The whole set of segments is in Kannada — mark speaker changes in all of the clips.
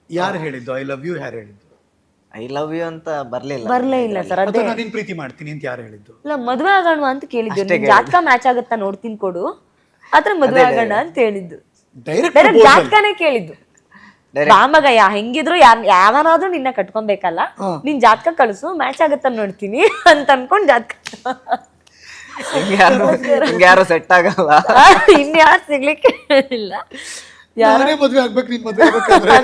Speaker 1: ಯಾರು ಹೇಳಿದ್ದು ಐ ಲವ್ ಯು? ಯಾರು ಹೇಳಿದ್ದು?
Speaker 2: ಐ ಲವ್ ಯು ಅಂತ ಬರ್ಲಿಲ್ಲ.
Speaker 3: ಬರ್ಲೇ ಇಲ್ಲ ಸರ್.
Speaker 1: ಅಥವಾ ನಾನು ನಿನ್ ಪ್ರೀತಿ ಮಾಡ್ತೀನಿ ಅಂತ ಯಾರು ಹೇಳಿದ್ದು?
Speaker 3: ಇಲ್ಲ, ಮದ್ವೆ ಆಗೋಣ ಅಂತ ಕೇಳಿದ್ದು. ನಿನ್ ಜಾತಕ ಮ್ಯಾಚ್ ಆಗುತ್ತಾ ನೋಡ್ತೀನಿ ಕೊಡು, ಆತರ ಮದ್ವೆ ಆಗೋಣ ಅಂತ ಹೇಳಿದ್ದು.
Speaker 1: ಡೈರೆಕ್ಟ್
Speaker 3: ಡೈರೆಕ್ಟ್ ಜಾತಕನೇ ಕೇಳಿದ್ದು. ರಾಮಗಯ್ಯ ಹೆಂಗಿದ್ರು ಯಾವನಾದ್ರೂ ನಿನ್ನ ಕಟ್ಕೊಬೇಕಲ್ಲ, ನಿನ್ ಜಾತಕ ಕಳ್ಸು, ಮ್ಯಾಚ್ ಆಗತ್ತ ನೋಡ್ತೀನಿ ಅಂತ ಅನ್ಕೊಂಡ್ ಜಾತಕ.
Speaker 2: ಯಾರು ಸೆಟ್ ಆಗಲ್ಲ,
Speaker 3: ಇನ್ಯಾರು ಸಿಗ್ಲಿಕ್ಕೆ ಇಲ್ಲ.
Speaker 1: ಯಾರೇ ಮದ್ವೆ ಆಗ್ಬೇಕು, ನೀನ್ ಮದ್ವೆ ಆಗ್ಬೇಕಾದ್ರೆ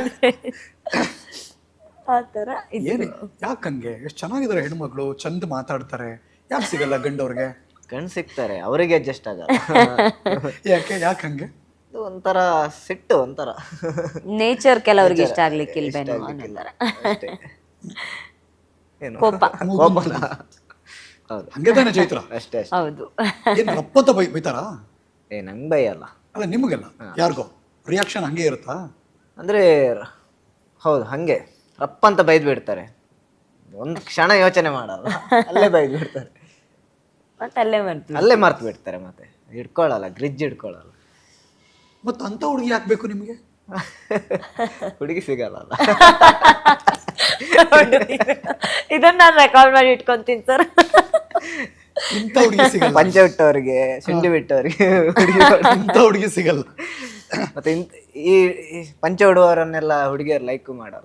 Speaker 3: ಆತರ
Speaker 1: ಏನೇ ಯಾಕಂಗೆ? ಎಷ್ಟು ಚೆನ್ನಾಗಿದ್ದಾರೆ ಹೆಣ್ಮಕ್ಳು, ಚಂದ ಮಾತಾಡ್ತಾರೆ, ಯಾಕೆ ಸಿಗಲ್ಲ ಗಂಡವ್ರಿಗೆ?
Speaker 2: ಗಂಡ್ ಸಿಗ್ತಾರೆ, ಅವರಿಗೆ ಅಡ್ಜಸ್ಟ್ ಆಗಲ್ಲ.
Speaker 1: ಯಾಕಂಗೆ?
Speaker 2: ಇದು ಒಂಥರ ಸಿಟ್ಟು, ಒಂಥರ
Speaker 3: ನೇಚರ್ ಕೆಲವ್ರಿಗೆ ಇಷ್ಟ ಆಗ್ಲಿಕ್ಕೆ ಇಲ್ವೇನೋ.
Speaker 2: ಅಷ್ಟೇ. ಏನು
Speaker 3: ಕೋಪ.
Speaker 2: ಕೋಪನ? ಹೌದು,
Speaker 1: ಹಂಗೆ ತಾನೆ ಚೈತ್ರ?
Speaker 2: ಅಷ್ಟೇ.
Speaker 3: ಹೌದು.
Speaker 1: ಏನ್ ರಪ್ಪತ್ತ ಬೈತಾರಾ?
Speaker 2: ನಂಗೆ ಬೈಯಲ್ಲ.
Speaker 1: ಅಲ್ಲ ನಿಮಗೆಲ್ಲ ಯಾರಿಗೋ ರಿಯಾಕ್ಷನ್ ಹಂಗೆ ಇರುತ್ತಾ?
Speaker 2: ಅಂದ್ರೆ ಹೌದು, ಹಂಗೆ ರಪ್ಪ ಅಂತ ಬೈದ್ ಬಿಡ್ತಾರೆ, ಒಂದು ಕ್ಷಣ ಯೋಚನೆ ಮಾಡಲ್ಲ, ಅಲ್ಲೇ ಬೈದ್ ಬಿಡ್ತಾರೆ,
Speaker 3: ಮತ್ತೆ ಅಲ್ಲೇ ಮಾಡ್ತೀವಿ,
Speaker 2: ಅಲ್ಲೇ ಮರ್ತು ಬಿಡ್ತಾರೆ, ಮತ್ತೆ ಹಿಡ್ಕೊಳ್ಳಲ್ಲ, ಗ್ರಿಜ್ ಹಿಡ್ಕೊಳ್ಳಲ್ಲ.
Speaker 1: ಮತ್ತ ಅಂತ ಹುಡುಗಿ ಹಾಕ್ಬೇಕು ನಿಮ್ಗೆ?
Speaker 2: ಹುಡುಗಿ ಸಿಗಲ್ಲ.
Speaker 3: ಇದನ್ನ ನಾನು ರೆಕಾರ್ಡ್ ಮಾಡಿ ಇಟ್ಕೊಂತೀನಿ ಸರ್.
Speaker 1: ಇಂಥ ಹುಡುಗಿ ಸಿಗಲ್ಲ,
Speaker 2: ಪಂಚೆ ಬಿಟ್ಟವ್ರಿಗೆ, ಶುಂಠಿ ಬಿಟ್ಟವ್ರಿಗೆ
Speaker 1: ಇಂಥ ಹುಡುಗಿ ಸಿಗಲ್ಲ.
Speaker 2: ಮತ್ತೆ ಈ ಪಂಚೆ ಉಡುವವರನ್ನೆಲ್ಲ ಹುಡುಗಿಯರು ಲೈಕ್ ಮಾಡಲ್ಲ.